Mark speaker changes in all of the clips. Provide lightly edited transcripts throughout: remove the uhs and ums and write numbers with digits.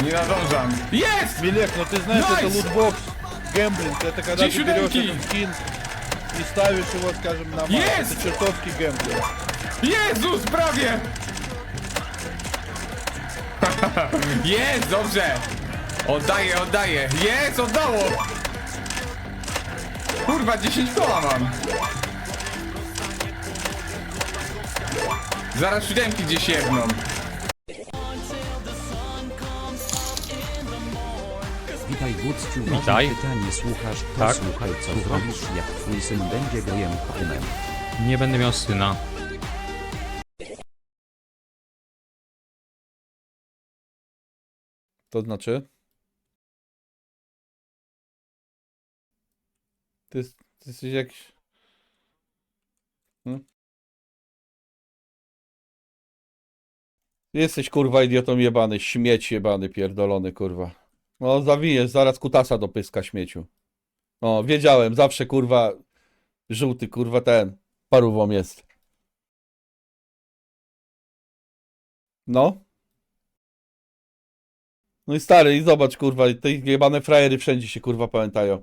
Speaker 1: Nie nadążam. Jest!
Speaker 2: Милек, ну ты знаешь, это
Speaker 1: Найс!
Speaker 2: лутбокс, гэмблинг. Это когда
Speaker 1: Где
Speaker 2: ты берешь
Speaker 1: чуденький?
Speaker 2: этот скин и ставишь его, скажем, на мат.
Speaker 1: Есть!
Speaker 2: Это чертовский гэмблинг.
Speaker 1: Jezus, prawie! Jest, dobrze! Oddaję, oddaję. Jest, oddało! Kurwa, 10 koła mam. Zaraz siódemki gdzieś jedną.
Speaker 3: Witaj Gucciu,
Speaker 4: Witaj.
Speaker 3: ważne pytanie, słuchasz, to
Speaker 4: Tak.
Speaker 3: słuchaj co zrobisz jak twój syn będzie gejem kumem.
Speaker 4: Nie będę miał syna.
Speaker 2: To znaczy? Ty jesteś jakiś... Hmm? Jesteś kurwa idiotą jebany, śmieć jebany, pierdolony kurwa. No zawijesz, zaraz kutasa do pyska śmieciu. No wiedziałem, zawsze kurwa żółty kurwa ten parówą jest. No. No i stary, i zobacz kurwa, te jebane frajery wszędzie się kurwa pamiętają.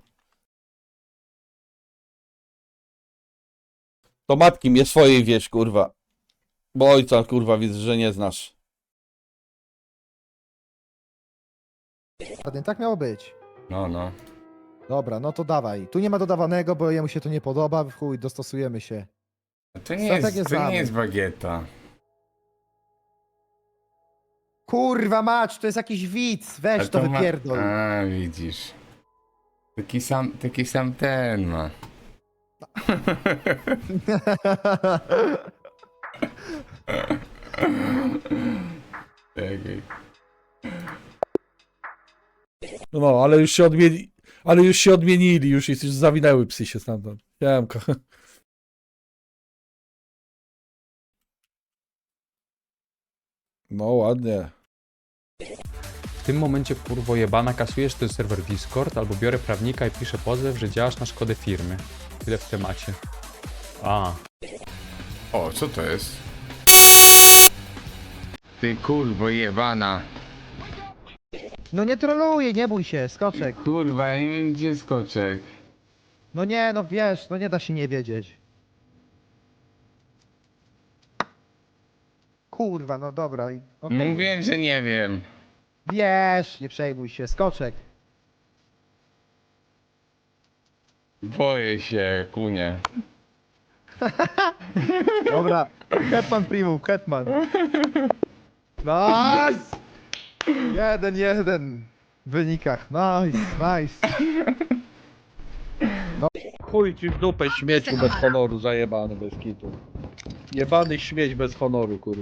Speaker 2: To matki mnie swojej wieś kurwa. Bo ojca kurwa widzę, że nie znasz.
Speaker 5: Ładnie, tak miało być.
Speaker 1: No.
Speaker 5: Dobra, no to dawaj. Tu nie ma dodawanego, bo jemu się to nie podoba. W chuj, dostosujemy się.
Speaker 1: To nie
Speaker 5: Strategię
Speaker 1: jest, to
Speaker 5: znamy.
Speaker 1: nie jest bagieta.
Speaker 5: Kurwa mać, to jest jakiś widz. Weź
Speaker 1: A
Speaker 5: to
Speaker 1: ma-
Speaker 5: wypierdol.
Speaker 1: A, widzisz. Taki sam ten ma. Czekaj.
Speaker 2: No, ale już się odmieni... Ale już się odmienili, już zawinęły psy się stamtąd. Siemka. No ładnie.
Speaker 4: W tym momencie kurwo jebana kasujesz ten serwer Discord albo biorę prawnika i piszę pozew, że działasz na szkodę firmy. Tyle w temacie. A,
Speaker 1: O, co to jest? Ty kurwo jebana.
Speaker 5: No nie troluję, nie bój się, skoczek.
Speaker 1: Kurwa, ja nie wiem gdzie skoczek.
Speaker 5: No nie, no wiesz, no nie da się nie wiedzieć. Kurwa, no dobra. okej.
Speaker 1: Mówiłem, że nie wiem.
Speaker 5: Wiesz, nie przejmuj się, skoczek.
Speaker 1: Boję się, kunie.
Speaker 5: Dobra, hetman primum, hetman. Nice! 1-1 w wynikach, nice.
Speaker 2: Chuj ci w dupę śmieciu bez honoru, zajebany bez kitu. Jebany śmieć bez honoru, kurwa.